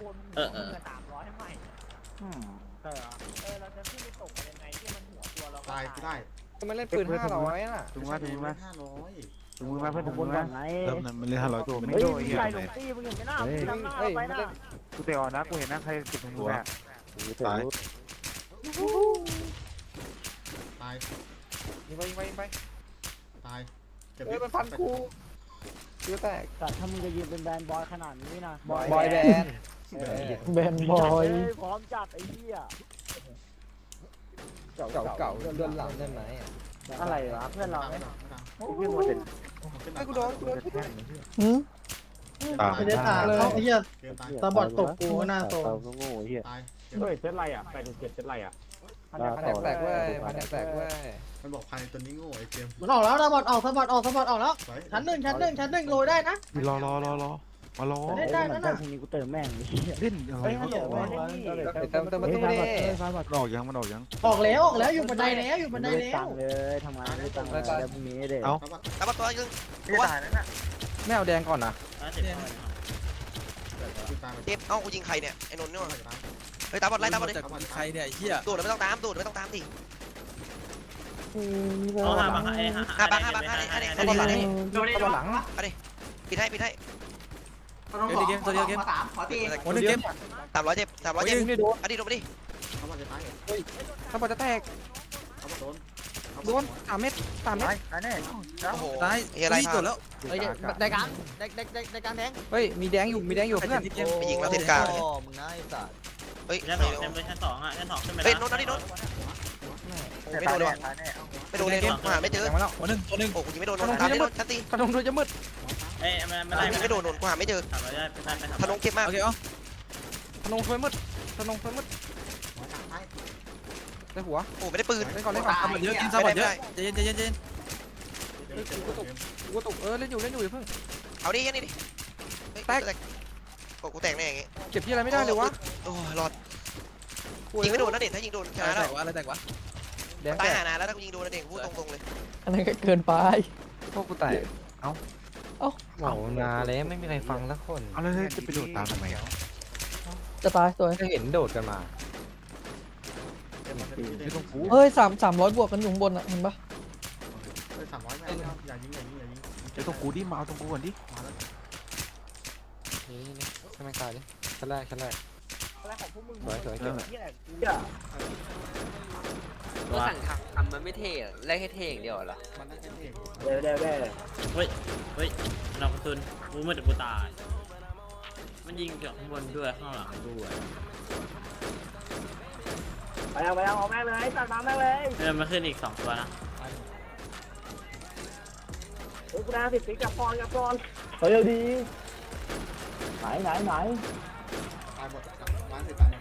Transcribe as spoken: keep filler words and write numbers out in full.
นเออเออสามร้อยให้ใหม่อืมใช่เหรอเออเราจะขึ้นไปตกกันยังไงที่มันหัวตัวเราตายได้มันเล่นปืนห้าร้อยอ่ะถุงมาถุงมาห้าร้อยถุงมือมาเพื่อนถุงมือมาเริ่มนั้นมันเล่นห้าร้อยตัวไม่เฮ้ยโดนมึงเหี้ยใส่หเลลงยตี้มึงเห็นไหมหน้าเฮ้ยมึงนำหน้าเฮ้เรายไปมันนะเล่นกูเตะออกนะกูเห็นนะใครติดถุงมือแม่ตายตายยิงไปยิงไปยิงไปตายเฮ้ยมันฟันกูเยอะแตกแต่ถ้ามึงจะยืนเป็นแบนบอยขนาดนี้นะบอยแบนด์แบนบอยพร้อมจัดไอ้เหี้ยเก่าเก่าเก่าเลื่อนหลังเลื่อนไหนอ่ะอะไรวะเพื่อนเราไม่เนี่ยดังเพื่อนมันเป็นไอ้กูโดนกูโดนหืมตายไม่ได้ตาเขาไอ้เหี้ยเกมตายตาบอดตกกูก็น่าโตตายเฮ้ยเซตไรอ่ะแปดเจ็ดเซตไรอ่ะพันแตกแตกเว้ยพันแตกเว้ยมันบอกภายในตัวนี้โง่ไอ้เกมมันออกแล้วตาบอดออกตาบอดออกตาบอดออกแล้วไว้ชั้นหนึ่งชั้นหนึ่งชั้นหนึ่งโรยได้นะรอรอรอรอมารอเล่นได้นั่นน่ะพรุ่งนี้กูเติมแม่งเล่นอะไรเฮ้ยเขาเดี๋ยวบอกไม่ว่าได้เติมเติมประตูดิมันออกยังมันออกยังออกแล้วออกแล้วอยู่บันไดแล้วอยู่บันไดแล้วเลยทำงานไม่ตังค์เลยพรุ่งนี้เด็กเอ้าตาบัดตามมาตัวนึงไม่ตายนั่นน่ะไม่เอาแดงก่อนนะตายเจ็บเอ้ากูยิงใครเนี่ยไอ้นนท์เนี่ยตายเฮ้ยตามบอลไล่ตามบอลเลยใครเนี่ยโดดไม่ต้องตามโดดไม่ต้องตามดิเอาห้าบังไอ้ห้าห้าบังห้าบังห้าเนี่ยห้าเนี่ยตามบอลหลังดิตาบอดหลังปิดให้ปิดให้เดี๋ยวเกมตัวเดียวเกมสามขอตีโอ้ยเกมสามร้อยเจ็บสามร้อยเจ็บไม่โดนอดีตโดนไปดิเขาบอกจะตายตาบอดจะแตกเขาบอกโดนโดนสามเม็ดสามเม็ดตายแน่โอ้โหตายเฮียอะไรพลาดเฮ้ยในกลางในในในในกลางแดงเฮ้ยมีแดงอยู่มีแดงอยู่เพื่อนไปยิงแล้วเซนกลางมึงน่าไอ้สัตว์เฮ้ยชั้นสองเต็มเลยชั้นสองอ่ะชั้นสองขึ้นไปเฮ้ยแล้วนนท์อดีตนนท์ไม่โดนเลยว่ะไม่โดนเลยหาไม่เจอแดงมาแล้วตัวหนึ่งตัวหนึ่งโอ้กูยิงไม่โดนนนท์ตามไม่โดนชั้นตีขนมด้วยจะมืดเอ้ยไม่ไม่ได้ยิงไม่โดนนนท์กูหาไม่เจอสามร้อยได้ไปได้ไปธนงเก็บมากโอเคเอ้าขนมช่วยมืดขนมช่วยมืดได้หัวโอ้ไม่ได้ปืนเล่นก่อนเล่นก่อนสามหมดเยอะกินสามหมดเยอะใจเย็นใจเย็นใจเย็นกูตกเออเล่นอยู่เล่นอยู่อย่าเพิ่งเอาดิยันนี่ดิโอ้กูแตกแน่อย่างงี้เก็บที่อะไรไม่ได้เลยวะโอ้รอดยิงไม่โดนนะเด็กถ้ายิงโดนชนะแล้วอะไรแตกวะแดงตาแตยกหานานแล้วถ้ากูยิงโดนนะเด็กพูดตรงๆเลยอันนั้นก็เกินไปพวกกูแตกเอ้าเอ้าโหนาแล้วไม่มีใครฟังสักคนเอาเลยจะไปโดดตามทำไมอ่ะจะตายตัวจะเห็นโดดกันมาไม่ต้องพูดเฮ้ยสามสามร้อยบวกกันอยู่ข้างบนอ่ะเห็นปะสามร้อยไม่อย่ายิงอย่ายิงอย่ายิงเดี๋ยวต้องกูดิมาเอาตรงกูก่อนดิมาแล้วนี่นี่ใช่ไหมกายดิชั้นแรกชั้นแรกอะไรของพวกมึงสวยสวยเหี้เก็บยกูเนี่ยก็สั่งทำมันไม่เท่แรกให้เท่อย่างเดียวเหรอมันน่าจะเท่เดี๋ยวเดี๋ยวเดี๋ยวเฮ้ยเฮ้ยเรากระสุนกูมืดกูตายมันยิงจากข้างบนด้วยข้างหลังด้วยไปเอาไปเอาเอาแม่งเลยตัดมาแม่งเลยเริ่มมาขึ้นอีกสองตัวนะเฮ้ยกูได้สิบปีกับปอนกับปอนเฮ้ยเอาดีไหนไหนไหนตายหมดร้านสิบตาย